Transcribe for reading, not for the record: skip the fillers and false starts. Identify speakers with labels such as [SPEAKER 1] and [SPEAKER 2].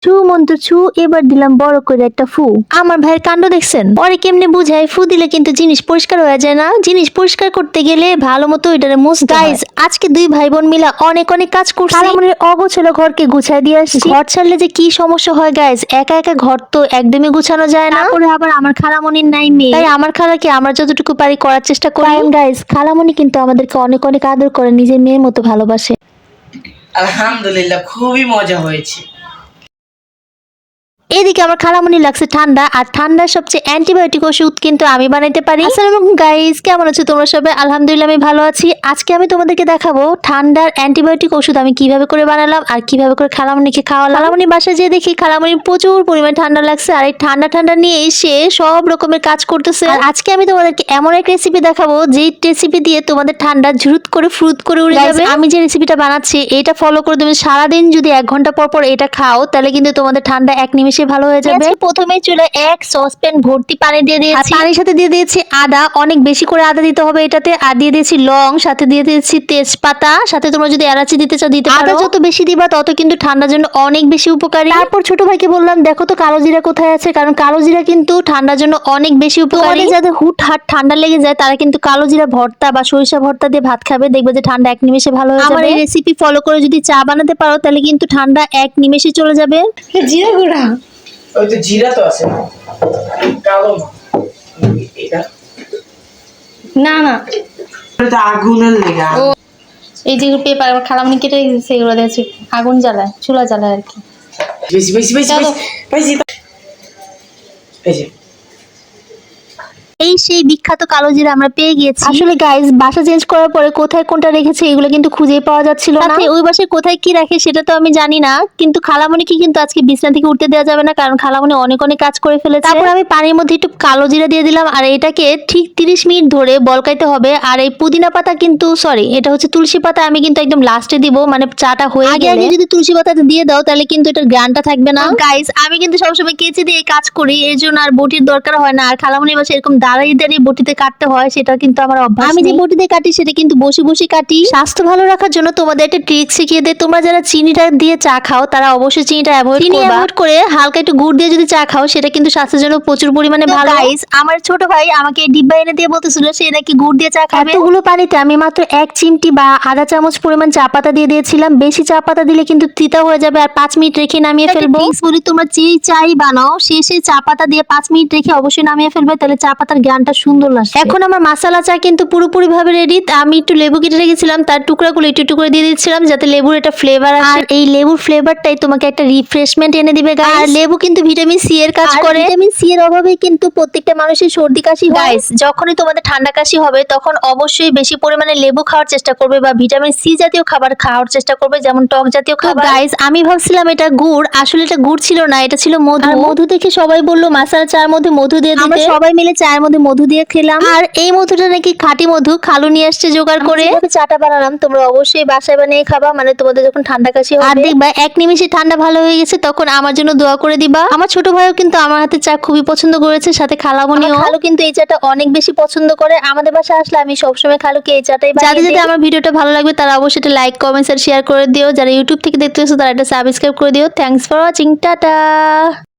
[SPEAKER 1] ছু মন্ত্র ছু, এবার দিলাম বড় করে একটা ফু। আমার ভাইয়ের কাণ্ড দেখছেন? পরে কেমনে বুঝায় ফু দিলে কিন্তু জিনিস পরিষ্কার হয়ে যায় না। জিনিস পরিষ্কার করতে গেলে ভালো মতো এটারে মুছতে হয়। গাইস, আজকে দুই ভাই বোন মিলা অনেক অনেক কাজ করছি। খালামণির অগোছালো ঘরকে গুছাই দিয়ে আসছি। ঘর ছাড়লে যে কি সমস্যা হয় গাইস, একা একা ঘর তো একদমই গুছানো যায় না। তারপরে আবার আমার খালামণির নাই মেয়ে, তাই আমার খালাকে আমরা যতটুকু পারি করার চেষ্টা করি। কারণ গাইস, খালামণি কিন্তু আমাদেরকে অনেক অনেক আদর করে, নিজের মেয়ের মতো ভালোবাসে।
[SPEAKER 2] আলহামদুলিল্লাহ, খুবই মজা হয়েছে।
[SPEAKER 1] এদিকে আমার খালামণি লাগছে ঠান্ডা, আর ঠান্ডার সবচেয়ে অ্যান্টিবায়োটিক ওষুধ কিন্তু আমি বানাইতে পারি। আসসালামু আলাইকুম গাইস, কেমন আছো তোমরা সবাই? আলহামদুলিল্লাহ আমি ভালো আছি। আজকে আমি তোমাদেরকে দেখাবো ঠান্ডার অ্যান্টিবায়োটিক ওষুধ আমি কিভাবে করে বানালাম আর কিভাবে করে খালামণিকে খাওয়ালাম। খালামণি বাসায় যেয়ে দেখি খালামণির প্রচুর পরিমাণে ঠান্ডা লাগছে, আর এই ঠান্ডা নিয়ে এসে সব রকমের কাজ করতেছে। আর আজকে আমি তোমাদেরকে এমন এক রেসিপি দেখাবো যেই রেসিপি দিয়ে তোমাদের ঠান্ডা ঝুরুত করে ফ্রুত করে উড়ে যাবে। আমি যে রেসিপিটা বানাচ্ছি এটা ফলো করে তুমি সারাদিন যদি 1 ঘন্টা পর পর এটা খাও, তাহলে কিন্তু তোমাদের ঠান্ডা এক নিমেষে ভালো হয়ে যাবে। প্রথমে চুলে এক সসপ্যান ভর্তি পানি দিয়ে দিয়েছি, পানির সাথে দিয়ে দিয়েছি আদা, অনেক বেশি করে আদা দিতে হবে এটাতে, আর দিয়ে দিয়েছি লং, সাথে দিয়ে দিয়েছি তেজপাতা, সাথে তোমরা যদি এলাচি দিতে চাও দিতে পারো। আদা যত বেশি দিবা তত কিন্তু ঠান্ডার জন্য অনেক বেশি উপকারী। তারপর ছোট ভাইকে বললাম দেখো তো কালো জিরা কোথায় আছে, কারণ কালো জিরা কিন্তু ঠান্ডার জন্য অনেক বেশি উপকারী। যাদের হুটহাট ঠান্ডা লেগে যায় তারা কিন্তু কালো জিরা ভর্তা বা সরিষা ভর্তা দিয়ে ভাত খাবে, দেখবে যে ঠান্ডা এক নিমেষে ভালো হয়ে যাবে। আমার এই রেসিপি ফলো করে যদি চা বানাতে পারো তাহলে কিন্তু ঠান্ডা এক নিমেষে চলে যাবে।
[SPEAKER 2] জিরা গুঁড়া, ওই তো জিরা তো আছে, কালো এটা
[SPEAKER 3] না না,
[SPEAKER 2] এটা আগুনের লেগা।
[SPEAKER 3] এই যে পেপার আমার খালামনি কেটে রেখেছে, এগুলো দিয়েছি আগুন জ্বালায়, চুলা জ্বালায় আর কি।
[SPEAKER 2] বেশি বেশি বেশি
[SPEAKER 3] চলো।
[SPEAKER 2] বেশি এই যে
[SPEAKER 1] এই সেই বিখ্যাত কালো জিরা আমরা পেয়ে গিয়েছি। আসলে গাইস, বাসা চেঞ্জ করার পরে কোথায় কোনটা রেখেছে এগুলো কিন্তু খুঁজেই পাওয়া যাচ্ছিল না। ওই বাসায় কোথায় কি রাখে সেটা তো আমি জানি না, কিন্তু খালামণিকে কিন্তু আজকে বিছানা থেকে উঠতে দেওয়া যাবে না, কারণ খালামণি অনেক অনেক কাজ করে ফেলেছে। তারপর আমি পানির মধ্যে একটু কালো জিরা দিয়ে দিলাম, আর এটাকে ঠিক 30 মিনিট ধরে বলকাইতে হবে। আর এই পুদিনা পাতা কিন্তু সরি, এটা হচ্ছে তুলসী পাতা, আমি কিন্তু একদম লাস্টে দিব, মানে চাটা হয়ে গেলে। আগে যদি তুলসী পাতাটা দিয়ে দাও তাহলে কিন্তু এটার গ্রানটা থাকবে না। গাইস, আমি কিন্তু সবসময় কেচি দিয়ে কাজ করি, এই জন্য আর বটির দরকার হয় না। আর খালামণির বাসায় এরকম দাঁড়িয়ে দাঁড়িয়ে বটিতে কাটতে হয়, সেটা কিন্তু আমার অভ্যাস। আমি যে বটিতে কাটি সেটা কিন্তু বসে বসে কাটি। স্বাস্থ্য ভালো রাখার জন্য তোমাদের একটা ট্রিক শিখিয়ে দেই। তোমরা যারা চিনিটা দিয়ে চা খাও তারা অবশ্যই চিনিটা অ্যাভয়েড করবা। অ্যাভয়েড করে হালকা একটু গুড় দিয়ে যদি চা খাও সেটা কিন্তু স্বাস্থ্যের জন্য প্রচুর পরিমাণে ভালো। গাইস, আমার ছোট ভাই আমাকে ডিব্বা এনে দিয়ে বলতেছিল সে নাকি গুড় দিয়ে চা খাবে। এতগুলো পানিতে আমি মাত্র 1 চিমটি বা আধা চামচ পরিমাণ চা পাতা দিয়ে দিয়েছিলাম। বেশি চা পাতা দিলে কিন্তু তিতা হয়ে যাবে, আর 5 মিনিট রেখে নামিয়ে ফেলবো। বলি তোমরা যেই চাই বানাও শেষে চা পাতা দিয়ে 5 মিনিট রেখে অবশ্যই নামিয়ে ফেলবে, তাহলে চা পাতার গ্রানটা সুন্দর লাগবে। এখন আমার মাসালা চা কিন্তু পুরোপুরি ভাবে রেডি। আমি একটু লেবু কেটে রেখেছিলাম, তার টুকরাগুলো একটু একটু করে দিয়ে দিচ্ছিলাম যাতে লেবুর একটা ফ্লেভার আসে। আর এই লেবুর ফ্লেভারটাই তোমাকে একটা রিফ্রেশমেন্ট এনে দিবে গাইস। আর লেবু কিন্তু ভিটামিন সি এর কাজ করে। ভিটামিন সি এর অভাবে কিন্তু প্রত্যেকটা মানুষের সর্দি কাশি হয়। গাইস, যখনই তোমাদের ঠান্ডা কাশি হবে তখন অবশ্যই বেশি পরিমাণে লেবু খাওয়ার চেষ্টা করবে বা ভিটামিন সি জাতীয় খাবার খাওয়ার চেষ্টা করবে, যেমন টক জাতীয় খাবার। গাইস, আমি ভাবছিলাম এটা গুড়, আসলে এটা গুড় ছিল না, এটা ছিল মধু। আর মধু দেখে সবাই বললো মাসালা চার মধ্যে মধু দিয়ে দিতে। আমরা সবাই মিলে চায়ের মধ্যে মধু দিয়ে খেলাম। আর এই মধুটা নাকি খাঁটি মধু, খালু নিয়ে আসছে জোগাড় করে। চাটা বানালাম, তোমরা অবশ্যই বাসায় বানিয়ে খাবা, মানে তোমাদের যখন ঠান্ডা কাশি হবে। আর দেখবা এক নিমিষে ঠান্ডা ভালো হয়ে গেছে, তখন আমার জন্য দোয়া করে দিবা। আমার ছোট ভাইও কিন্তু আমার হাতে চা খুবই পছন্দ করেছে, সাথে খালামণিও। খালু কিন্তু এই চাটা অনেক বেশি পছন্দ করে। আমাদের বাসায় আসলে আমি সবসময় খালুকে এই চাটাই বানিয়ে দিই। যাদের আমার ভিডিওটা ভালো লাগবে তারা অবশ্যই এটা লাইক, কমেন্টস আর শেয়ার করে দিও। যারা ইউটিউব থেকে দেখতেছো তারা এটা সাবস্ক্রাইব করে দিও। Thanks for watching, tata.